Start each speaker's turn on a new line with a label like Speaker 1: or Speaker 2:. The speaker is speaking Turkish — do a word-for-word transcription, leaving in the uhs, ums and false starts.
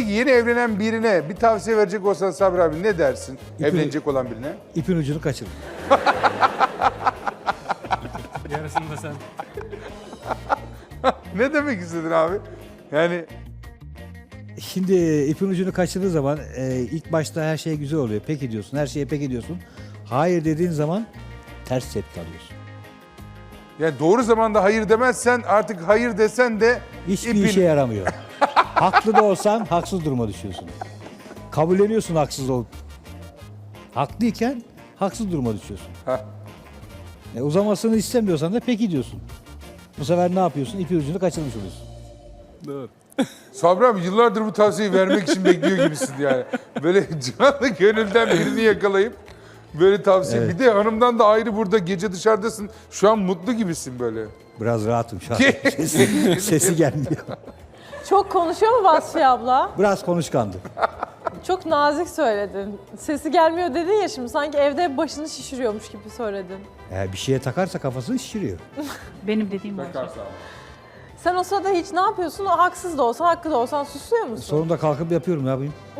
Speaker 1: Peki yeni evlenen birine bir tavsiye verecek olsan Sabri abi ne dersin?
Speaker 2: İpi-
Speaker 1: Evlenecek olan birine.
Speaker 2: İpin ucunu kaçırın.
Speaker 3: Yarısını da sen.
Speaker 1: Ne demek istedin abi? Yani
Speaker 2: Şimdi ipin ucunu kaçırdığı zaman e, ilk başta her şey güzel oluyor. Peki diyorsun, her şeye peki diyorsun. Hayır dediğin zaman ters tepki alıyorsun.
Speaker 1: yani doğru zamanda hayır demezsen artık hayır desen de
Speaker 2: Hiçbir
Speaker 1: ipin-
Speaker 2: işe yaramıyor. Haklı da olsan haksız duruma düşüyorsun. Kabulleniyorsun haksız olup. Haklıyken haksız duruma düşüyorsun.
Speaker 1: Heh.
Speaker 2: E, uzamasını istemiyorsan da peki diyorsun. Bu sefer ne yapıyorsun? İpin ucunu kaçırmış oluyorsun.
Speaker 3: Doğru.
Speaker 1: Sabri abi yıllardır bu tavsiyeyi vermek için bekliyor gibisin yani. Böyle canlı gönülden birini yakalayıp böyle tavsiye.
Speaker 2: Evet.
Speaker 1: Bir de hanımdan da ayrı burada gece dışarıdasın. Şu an mutlu gibisin böyle.
Speaker 2: Biraz rahatım şu an. Sesi, sesi gelmiyor.
Speaker 4: Çok konuşuyor mu Vasfiye abla?
Speaker 2: Biraz konuşkandı.
Speaker 4: Çok nazik söyledin. Sesi gelmiyor dedin ya şimdi sanki evde başını şişiriyormuş gibi söyledin.
Speaker 2: Eğer bir şeye takarsa kafasını şişiriyor.
Speaker 5: Benim dediğim bu.
Speaker 4: Sen o sırada hiç ne yapıyorsun? O haksız da olsa, hakkı da olsan susuyor musun?
Speaker 2: Sonunda kalkıp yapıyorum, ne yapayım?